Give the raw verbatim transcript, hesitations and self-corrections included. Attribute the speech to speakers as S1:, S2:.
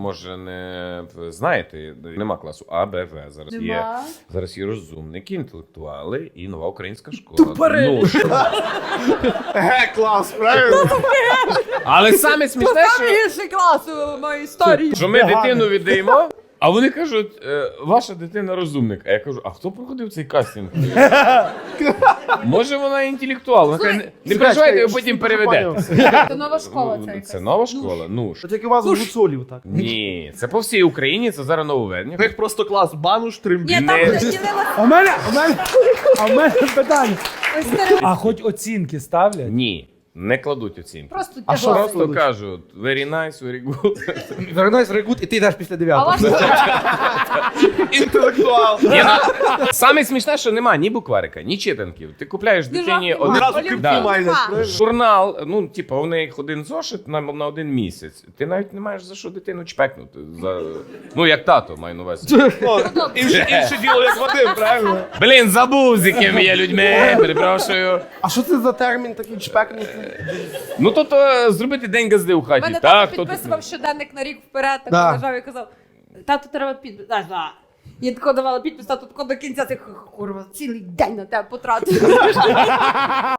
S1: може не знаєте, нема класу А, Б, В. Зараз є,
S2: Нема.
S1: зараз є розумники, інтелектуали і нова українська школа.
S2: Тупорилі.
S1: Ну, що?
S3: Ге, клас, правильно?
S1: Але саме смішне,
S2: Саме
S1: що,
S2: гірший клас у моїй історії.
S1: що ми дитину віддаємо, а вони кажуть, е, ваша дитина розумник. А я кажу, а хто проходив цей кастинг? Може вона інтелектуал? Вона каже, не, не переживайте, ви потім переведете.
S2: Це нова школа ця
S1: Ну,
S2: якась.
S1: Це нова школа? Ну ж.
S3: Це як у вас в гуцулів, так.
S1: Ні, це по всій Україні, це зараз нововведення.
S3: У них просто клас бануш,
S2: Ні,
S3: тримбі.
S2: там
S1: Не-
S2: розділилася
S4: А в мене, а в мене, а в мене питання.
S2: ось стереотип.
S4: А хоч оцінки ставлять?
S1: Ні, не кладуть оцінки.
S2: Просто
S3: А що
S2: тягла.
S3: раз-
S1: Просто кажуть, very nice, very good.
S3: Вернусь регут, і ти йдеш після
S2: А
S3: дев'ятого.
S2: ваш
S3: Інтелектуал.
S1: Ні, ну, саме смішне, що нема ні букварика, ні читанків. Ти купляєш дитині
S2: Державний
S1: один
S3: Одразу
S2: Олімпіада.
S1: Да.
S3: криптомайнер. правильно?
S1: журнал, ну, типу, у них один зошит на, на один місяць. Ти навіть не маєш за що дитину чпекнути. За... Ну, як тато, маю на увазі.
S3: О, Інше інше діло, як Вадим, правильно?
S1: Блін, забув, з якими є людьми, перепрошую.
S3: А що це за термін такий чпекнути?
S1: Ну, то, то зробити день газди у хаті.
S2: мене
S1: Так,
S2: тато
S1: то-
S2: підписував щоденник на рік вперед, так
S3: Да.
S2: лежав і казав, тату треба підпис. Да, да. Я тако давала підпис, тату тако до кінця, ти курва, цілий день на тебе потратив.